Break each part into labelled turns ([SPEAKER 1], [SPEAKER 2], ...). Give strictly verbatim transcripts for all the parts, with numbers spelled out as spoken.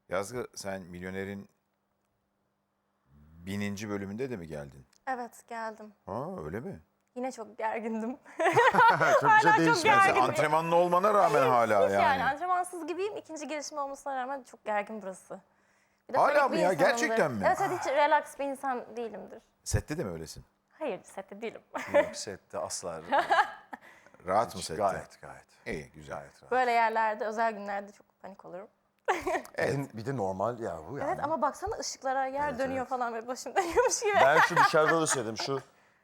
[SPEAKER 1] Yazgı, sen Milyoner'in bininci bölümünde de mi geldin?
[SPEAKER 2] Evet, geldim.
[SPEAKER 1] Ha, öyle mi?
[SPEAKER 2] Yine çok gergindim.
[SPEAKER 3] Çok bir şey
[SPEAKER 2] çok
[SPEAKER 3] değişmedi.
[SPEAKER 2] gergin.
[SPEAKER 1] Sen antrenmanlı olmana rağmen hala
[SPEAKER 2] Hiç
[SPEAKER 1] yani.
[SPEAKER 2] yani antrenmansız gibiyim. İkinci gelişim olmasına rağmen çok gergin burası. Bir de
[SPEAKER 1] Hala
[SPEAKER 2] panik
[SPEAKER 1] mı
[SPEAKER 2] bir
[SPEAKER 1] ya?
[SPEAKER 2] insanımdır.
[SPEAKER 1] Gerçekten mi?
[SPEAKER 2] Evet, evet, hiç relax bir insan değilimdir.
[SPEAKER 1] Sette de mi öylesin?
[SPEAKER 2] Hayır, sette değilim.
[SPEAKER 3] Yok, sette asla.
[SPEAKER 1] Rahat mı sette?
[SPEAKER 3] Gayet gayet.
[SPEAKER 1] İyi, güzel.
[SPEAKER 3] Gayet rahat.
[SPEAKER 2] Böyle yerlerde, özel günlerde çok panik olurum.
[SPEAKER 3] Evet. Bir de normal ya bu yani.
[SPEAKER 2] Evet ama baksana ışıklara yer
[SPEAKER 3] Evet,
[SPEAKER 2] dönüyor
[SPEAKER 3] evet.
[SPEAKER 2] falan ve başım dönüyormuş gibi.
[SPEAKER 3] Ben şu dışarıda da söyledim şu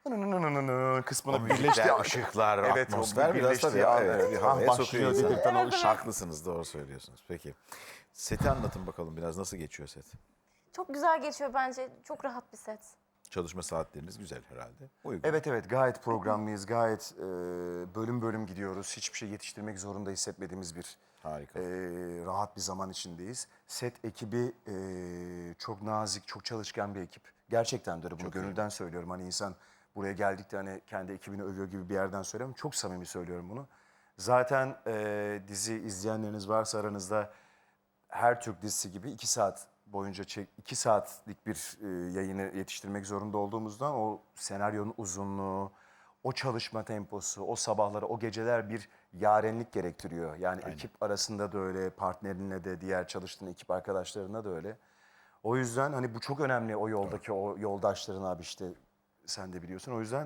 [SPEAKER 3] kısmını birleşti.
[SPEAKER 1] Birleşti ışıklar,
[SPEAKER 3] Evet, o
[SPEAKER 1] atmosfer biraz
[SPEAKER 3] birleştiği
[SPEAKER 1] tabii.
[SPEAKER 3] an,
[SPEAKER 1] Evet,
[SPEAKER 3] evet.
[SPEAKER 1] bir
[SPEAKER 3] Ha,
[SPEAKER 1] havaya
[SPEAKER 3] başlıyor
[SPEAKER 1] sokuyor insanı.
[SPEAKER 3] dedirten o ışık.
[SPEAKER 1] Haklısınız, doğru söylüyorsunuz. Peki. Seti anlatın bakalım biraz, nasıl geçiyor set?
[SPEAKER 2] Çok güzel geçiyor bence. Çok rahat bir set.
[SPEAKER 1] Çalışma saatleriniz güzel herhalde. Uygun.
[SPEAKER 3] Evet evet gayet programlıyız. Gayet e, bölüm bölüm gidiyoruz. Hiçbir şey yetiştirmek zorunda hissetmediğimiz bir
[SPEAKER 1] Harika.
[SPEAKER 3] e, rahat bir zaman içindeyiz. Set ekibi e, çok nazik, çok çalışkan bir ekip. Gerçekten de öyle, bunu gönülden söylüyorum. Hani insan buraya geldikte hani kendi ekibini övüyor gibi bir yerden söylüyorum. Çok samimi söylüyorum bunu. Zaten e, dizi izleyenleriniz varsa aranızda, her Türk dizisi gibi iki saat boyunca çek, iki saatlik bir e, yayını yetiştirmek zorunda olduğumuzdan o senaryonun uzunluğu, o çalışma temposu, o sabahları, o geceler bir yarenlik gerektiriyor. Yani ekip arasında da öyle, partnerinle de, diğer çalıştığın ekip arkadaşlarına da öyle. O yüzden hani bu çok önemli, o yoldaki o yoldaşların abi, işte sen de biliyorsun. O yüzden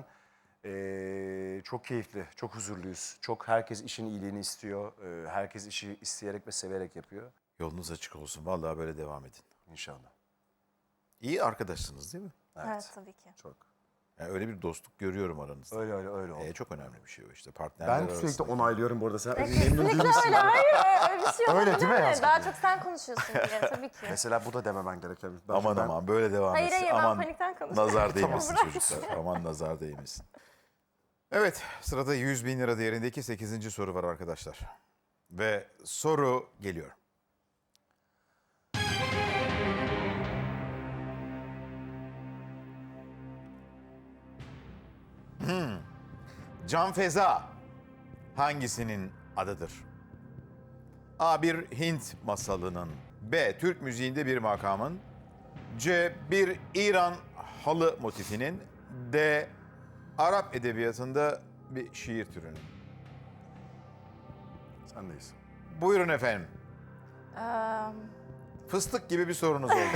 [SPEAKER 3] e, çok keyifli, çok huzurluyuz. Çok, herkes işin iyiliğini istiyor. E, herkes işi isteyerek ve severek yapıyor.
[SPEAKER 1] Yolunuz açık olsun. Vallahi böyle devam edin.
[SPEAKER 3] İnşallah.
[SPEAKER 1] İyi arkadaşsınız değil mi?
[SPEAKER 2] Evet, tabii ki.
[SPEAKER 3] Çok.
[SPEAKER 1] Yani öyle bir dostluk görüyorum aranızda.
[SPEAKER 3] Öyle öyle öyle oldu.
[SPEAKER 1] Ee, çok önemli bir şey o işte. Partnerler
[SPEAKER 3] Ben sürekli
[SPEAKER 1] arasında.
[SPEAKER 3] onaylıyorum bu arada. Sen memnun
[SPEAKER 2] Kesinlikle
[SPEAKER 3] değil misin?
[SPEAKER 2] öyle. Hayır, öyle bir şey
[SPEAKER 3] Öyle
[SPEAKER 2] olabilir
[SPEAKER 3] değil mi
[SPEAKER 2] mi?
[SPEAKER 3] Yazgı?
[SPEAKER 2] Daha çok sen konuşuyorsun diye tabii ki.
[SPEAKER 3] Mesela bu da dememen gereken. Ben-
[SPEAKER 1] Aman
[SPEAKER 3] ben-
[SPEAKER 1] aman böyle devam
[SPEAKER 2] Hayır,
[SPEAKER 1] etsin.
[SPEAKER 2] hayır, ben
[SPEAKER 1] Aman
[SPEAKER 2] panikten konuşuyorum.
[SPEAKER 1] nazar değmesin
[SPEAKER 2] Tamam, bırak.
[SPEAKER 1] çocuklar. Aman nazar değmesin. Evet, sırada yüz bin lira değerindeki sekizinci soru var arkadaşlar. Ve soru geliyor. Hmm. Can Feza hangisinin adıdır? A. Bir Hint masalının. B. Türk müziğinde bir makamın. C. Bir İran halı motifinin. D. Arap edebiyatında bir şiir türünün.
[SPEAKER 3] Sendeyiz.
[SPEAKER 1] Buyurun efendim.
[SPEAKER 2] Eee,
[SPEAKER 1] Fıstık gibi bir sorunuz oldu.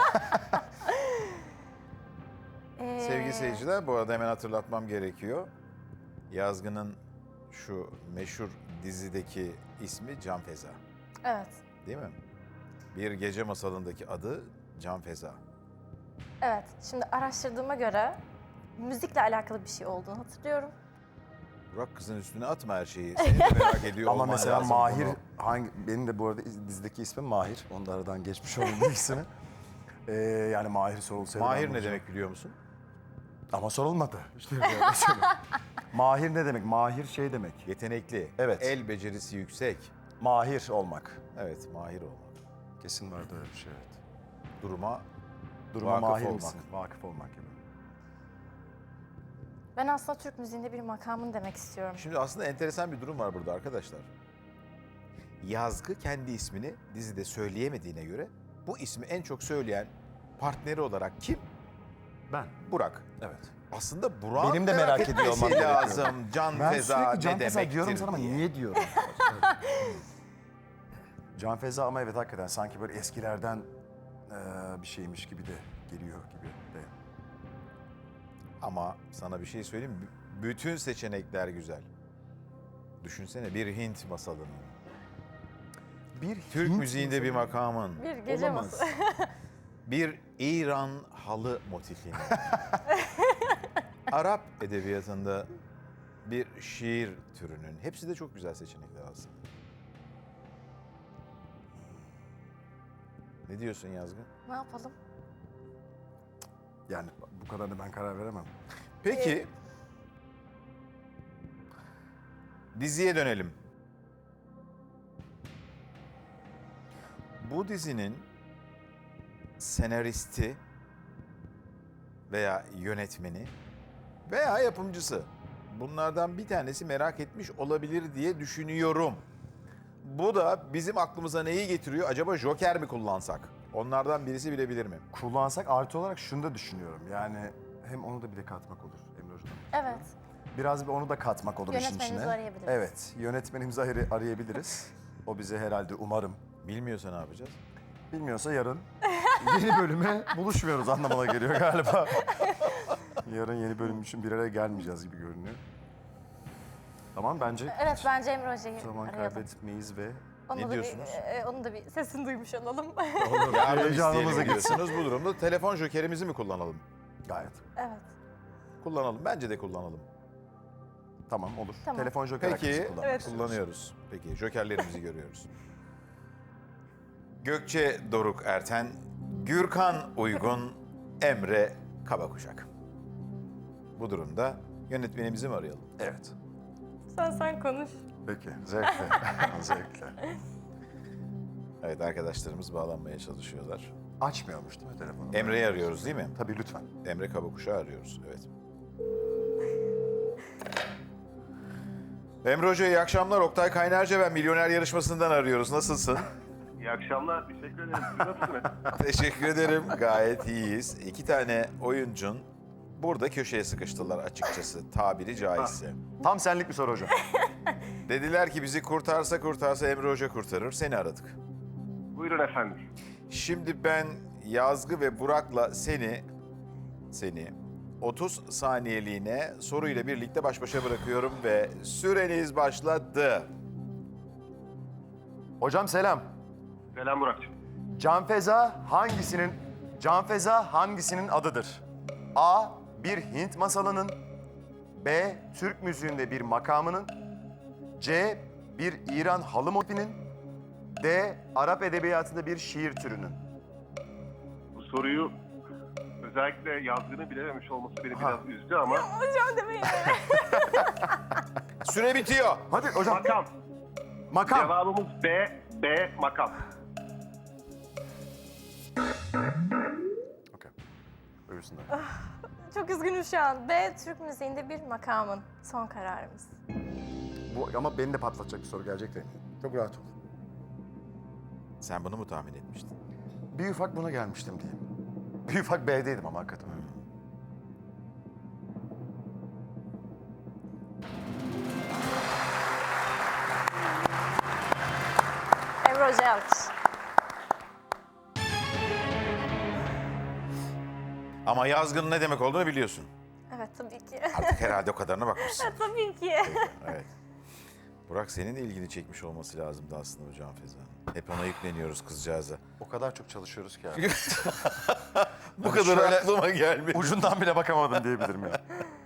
[SPEAKER 2] eee,
[SPEAKER 1] Sevgili seyirciler, bu arada hemen hatırlatmam gerekiyor. Yazgı'nın şu meşhur dizideki ismi Can Feza.
[SPEAKER 2] Evet,
[SPEAKER 1] Değil mi? Bir gece masalındaki adı Can Feza.
[SPEAKER 2] evet. Şimdi araştırdığıma göre müzikle alakalı bir şey olduğunu hatırlıyorum.
[SPEAKER 1] Burak, kızın üstüne atma her şeyi. Seni de merak ediyor
[SPEAKER 3] Ama
[SPEAKER 1] olman
[SPEAKER 3] mesela
[SPEAKER 1] lazım
[SPEAKER 3] Mahir,
[SPEAKER 1] bunu.
[SPEAKER 3] hangi, benim de bu arada dizideki ismim Mahir. Onu da aradan geçmiş oldum ikisini. Ee, yani Mahir sorulsaydı. ben
[SPEAKER 1] Mahir ne
[SPEAKER 3] bulacağım.
[SPEAKER 1] demek biliyor musun?
[SPEAKER 3] Ama sorulmadı. İşte böyle söyleyeyim. Mahir ne demek? Mahir şey demek.
[SPEAKER 1] Yetenekli,
[SPEAKER 3] Evet.
[SPEAKER 1] el becerisi yüksek.
[SPEAKER 3] Mahir olmak.
[SPEAKER 1] Evet, mahir olmak.
[SPEAKER 3] Kesin vardı öyle bir şey, evet.
[SPEAKER 1] Duruma
[SPEAKER 3] Duruma
[SPEAKER 1] vakıf
[SPEAKER 3] mahir
[SPEAKER 1] olmak.
[SPEAKER 3] misin? Vakıf olmak gibi.
[SPEAKER 2] Ben aslında Türk müziğinde bir makamın demek istiyorum.
[SPEAKER 1] Şimdi aslında enteresan bir durum var burada arkadaşlar. Yazgı kendi ismini dizide söyleyemediğine göre bu ismi en çok söyleyen partneri olarak kim?
[SPEAKER 3] Ben.
[SPEAKER 1] Burak.
[SPEAKER 3] Evet.
[SPEAKER 1] Aslında Burak'ın
[SPEAKER 3] Benim de merak ediyor
[SPEAKER 1] etmesi
[SPEAKER 3] olmam gerekiyor.
[SPEAKER 1] lazım. Can
[SPEAKER 3] Ben
[SPEAKER 1] Feza
[SPEAKER 3] sürekli Can
[SPEAKER 1] ne
[SPEAKER 3] Feza
[SPEAKER 1] demektir
[SPEAKER 3] diyorum sana ama
[SPEAKER 1] diye.
[SPEAKER 3] niye diyorum? Can Feza ama evet hakikaten sanki böyle eskilerden eee, bir şeymiş gibi de geliyor gibi de.
[SPEAKER 1] Ama sana bir şey söyleyeyim mi? B- Bütün seçenekler güzel. Düşünsene bir Hint masalının.
[SPEAKER 3] Bir
[SPEAKER 1] Türk
[SPEAKER 3] Hint
[SPEAKER 1] müziğinde bir
[SPEAKER 3] masalı-
[SPEAKER 1] makamın.
[SPEAKER 2] Bir gece
[SPEAKER 3] Olamaz.
[SPEAKER 2] masalı.
[SPEAKER 1] Bir İran halı motifini. Arap edebiyatında bir şiir türünün. Hepsi de çok güzel seçenekler aslında. Ne diyorsun Yazgı?
[SPEAKER 2] Ne yapalım?
[SPEAKER 3] Yani bu kadarını ben karar veremem.
[SPEAKER 1] Peki. Diziye dönelim. Bu dizinin senaristi veya yönetmeni veya yapımcısı, bunlardan bir tanesi merak etmiş olabilir diye düşünüyorum. Bu da bizim aklımıza neyi getiriyor? Acaba Joker mi kullansak? Onlardan birisi bilebilir mi?
[SPEAKER 3] Kullansak artı olarak şunu da düşünüyorum. Yani hem onu da bile katmak olur Emre Hocam.
[SPEAKER 2] Evet.
[SPEAKER 3] Biraz bir onu da katmak olur işin içine.
[SPEAKER 2] Yönetmenimizi arayabiliriz.
[SPEAKER 3] Evet, yönetmenimizi ar- arayabiliriz. O bize herhalde umarım.
[SPEAKER 1] Bilmiyorsa ne yapacağız?
[SPEAKER 3] Bilmiyorsa yarın yeni bölüme buluşmuyoruz anlamına geliyor galiba. Yarın yeni bölüm için bir araya gelmeyeceğiz gibi görünüyor. Tamam bence
[SPEAKER 2] Evet, bence Emre Hoca'yı
[SPEAKER 3] zaman
[SPEAKER 2] arayalım.
[SPEAKER 3] kaybetmeyiz ve
[SPEAKER 2] Onu
[SPEAKER 1] Ne
[SPEAKER 2] da
[SPEAKER 1] diyorsunuz?
[SPEAKER 2] Bir, e, onun da bir sesini duymuş olalım.
[SPEAKER 1] Yardım
[SPEAKER 3] Heyecanımıza
[SPEAKER 1] isteyelim
[SPEAKER 3] girsin.
[SPEAKER 1] diyorsunuz. Bu durumda telefon jokerimizi mi kullanalım?
[SPEAKER 3] gayet.
[SPEAKER 2] Evet.
[SPEAKER 1] Kullanalım. Bence de kullanalım.
[SPEAKER 3] Tamam olur.
[SPEAKER 2] Tamam.
[SPEAKER 3] Telefon joker
[SPEAKER 1] Peki,
[SPEAKER 3] hakkımızı kullanmak
[SPEAKER 2] Evet.
[SPEAKER 3] istiyoruz.
[SPEAKER 1] kullanıyoruz. Peki, jokerlerimizi görüyoruz. Gökçe Doruk Erten, Gürkan Uygun, Emre Kabakuşak. Bu durumda yönetmenimizi mi arayalım?
[SPEAKER 3] Evet.
[SPEAKER 2] Sen sen konuş.
[SPEAKER 3] Peki, zevkle. zevkle.
[SPEAKER 1] Evet, arkadaşlarımız bağlanmaya çalışıyorlar.
[SPEAKER 3] Açmıyormuş değil mi telefonu?
[SPEAKER 1] Emre'yi arıyoruz değil mi?
[SPEAKER 3] Tabii lütfen.
[SPEAKER 1] Emre Kabakuş'u arıyoruz, evet. Emre Hoca iyi akşamlar. Oktay Kaynarca ben Milyoner Yarışması'ndan arıyoruz. Nasılsın?
[SPEAKER 4] İyi akşamlar, teşekkür ederim. Siz nasılsınız?
[SPEAKER 1] Teşekkür ederim. Gayet iyiyiz. İki tane oyuncun burada köşeye sıkıştılar açıkçası. Tabiri caizse.
[SPEAKER 3] Tam senlik bir soru hocam.
[SPEAKER 1] Dediler ki bizi kurtarsa kurtarsa Emre Hoca kurtarır. Seni aradık.
[SPEAKER 4] Buyurun efendim.
[SPEAKER 1] Şimdi ben Yazgı ve Burak'la seni, seni otuz saniyeliğine soruyla birlikte baş başa bırakıyorum ve süreniz başladı.
[SPEAKER 3] Hocam selam.
[SPEAKER 4] Selam Burak'cığım.
[SPEAKER 3] Canfeza hangisinin Canfeza hangisinin adıdır? A. Bir Hint masalının. B. Türk müziğinde bir makamının. C. Bir İran halı motifinin. D. Arap edebiyatında bir şiir türünün.
[SPEAKER 4] Bu soruyu özellikle yazgını bilememiş olması beni
[SPEAKER 3] Ha.
[SPEAKER 4] biraz üzdü ama
[SPEAKER 2] Hocam demeyin.
[SPEAKER 1] Süre bitiyor.
[SPEAKER 3] Hadi hocam.
[SPEAKER 4] makam.
[SPEAKER 3] Makam.
[SPEAKER 4] Cevabımız B, B makam.
[SPEAKER 3] Okey. Buyursunlar.
[SPEAKER 2] Çok üzgünüm şu an. B. Türk müziğinde bir makamın. Son kararımız.
[SPEAKER 3] Bu ama beni de patlatacak bir soru gelecek de. Çok rahat ol.
[SPEAKER 1] Sen bunu mu tahmin etmiştin?
[SPEAKER 3] Bir ufak buna gelmiştim diyeyim. Bir ufak B'deydim ama hakikaten öyle.
[SPEAKER 2] Emre Hoca'ya alkış.
[SPEAKER 1] Ama yazgının ne demek olduğunu biliyorsun.
[SPEAKER 2] Evet, tabii ki.
[SPEAKER 1] Artık herhalde o kadarına bakmışsın.
[SPEAKER 2] Tabii ki.
[SPEAKER 1] Evet. Burak senin de ilgini çekmiş olması lazımdı aslında bu Canfeza'nın. Hep ona yükleniyoruz kızcağıza.
[SPEAKER 3] O kadar çok çalışıyoruz ki abi.
[SPEAKER 1] Bu kadar
[SPEAKER 3] şöyle-
[SPEAKER 1] aklıma gelmedi.
[SPEAKER 3] Ucundan bile bakamadım diyebilirim ya.